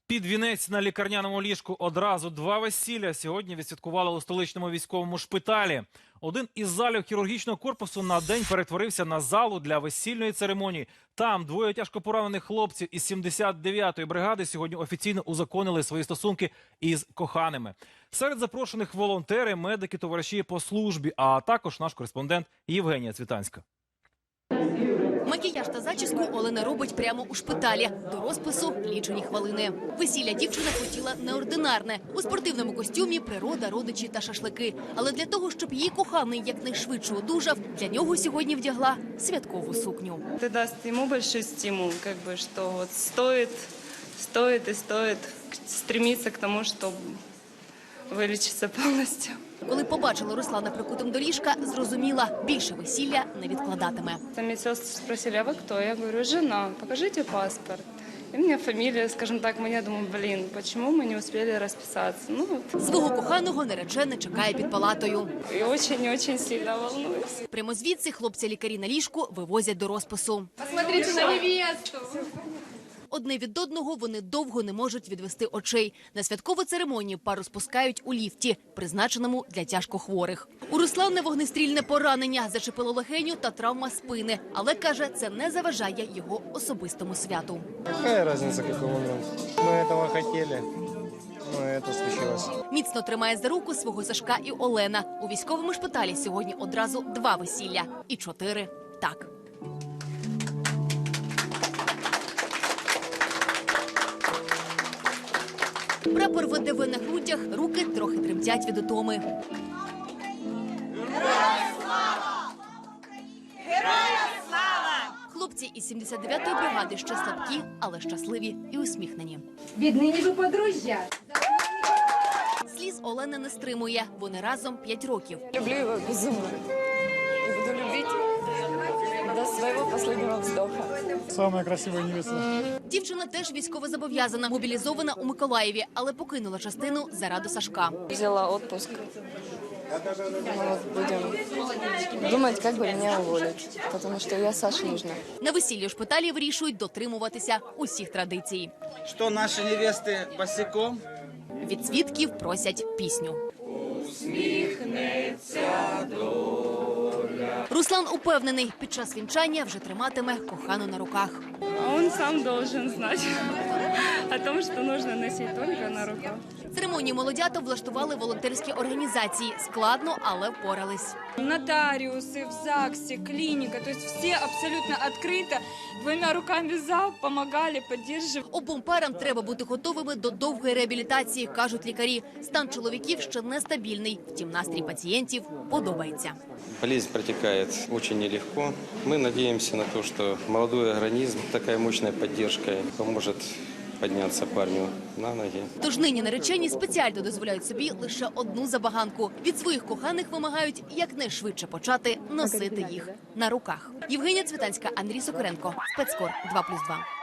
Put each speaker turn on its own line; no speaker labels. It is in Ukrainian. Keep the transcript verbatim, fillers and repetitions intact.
Під вінець на лікарняному ліжку одразу два весілля сьогодні відсвяткували у столичному військовому шпиталі. Один із залів хірургічного корпусу на день перетворився на залу для весільної церемонії. Там двоє тяжко поранених хлопців із сімдесят дев'ятої бригади сьогодні офіційно узаконили свої стосунки із коханими. Серед запрошених волонтери, медики, товариші по службі, а також наш кореспондент Євгенія Цвітанська.
Макіяж та зачіску Олена робить прямо у шпиталі. До розпису лічені хвилини. Весілля дівчина хотіла неординарне. У спортивному костюмі природа, родичі та шашлики. Але для того, щоб її коханий якнайшвидше одужав, для нього сьогодні вдягла святкову сукню.
Це дасть йому великий стимул, как бы, що от стоїть, стоїть і стоїть стремитися к тому, щоб вилічитися повністю.
Коли побачила Руслана прикутим до ліжка, зрозуміла, більше весілля не відкладатиме.
Медсестри спросили, а ви хто? Я говорю, жена, покажіть паспорт. І в мене фамілія, скажімо так, я думаю, блін, чому ми не встигли розписатися? Ну, от.
Свого коханого наречена чекає під палатою.
І дуже-дуже сильно волнуюсь.
Прямо звідси хлопця-лікарі на ліжку вивозять до розпису.
Посмотрите на невесту!
Одне від одного вони довго не можуть відвести очей. На святкову церемонію пару спускають у ліфті, призначеному для тяжкохворих. У Руслана вогнестрільне поранення, зачепило легеню та травма спини. Але, каже, це не заважає його особистому святу.
Яка різниця, який момент? Ми цього хотіли, але це случилось.
Міцно тримає за руку свого Сашка і Олена. У військовому шпиталі сьогодні одразу два весілля. І чотири так. Прапор ВДВ на грудях, руки трохи тремтять від утоми.
Героям слава! Героям слава!
Хлопці із сімдесят дев'ятої бригади ще слабкі, але щасливі і усміхнені.
Віднині ви подружжя.
Сліз Олена не стримує. Вони разом п'ять років.
Люблю его безумно. И буду любить до своего последнего вздоха.
Самая красивая невеста.
Дівчина теж військовозобов'язана, мобілізована у Миколаєві, але покинула частину заради Сашка.
Взяла отпуск. Мы вот будем думать, как бы меня уволить, потому что я Саше нужна.
На весіллі у шпиталі вирішують дотримуватися усіх традицій.
Що наші невести босиком?
Від свідків просять пісню.
Усміхнеться доля.
Руслан упевнений, під час вінчання вже триматиме кохану на руках.
А він сам должен знати о том, що потрібно носити тільки на руках.
Церемонію молодяток влаштували волонтерські організації. Складно, але впорались.
Нотаріуси, в ЗАГСі, клініка, тобто всі абсолютно відкрито, двома руками за, допомагали, підтримували.
Обом парам треба бути готовими до довгої реабілітації, кажуть лікарі. Стан чоловіків ще нестабільний, втім настрій пацієнтів подобається.
Болезнь протекает очень нелегко. Мы надеемся на то, что молодой организм, такая мощная поддержка поможет піднятися парню на ноги.
Тож нині наречені спеціально дозволяють собі лише одну забаганку. Від своїх коханих вимагають якнайшвидше почати носити їх на руках. Євгенія Цвітанська, Андрій Сокоренко, Спецкор два плюс два.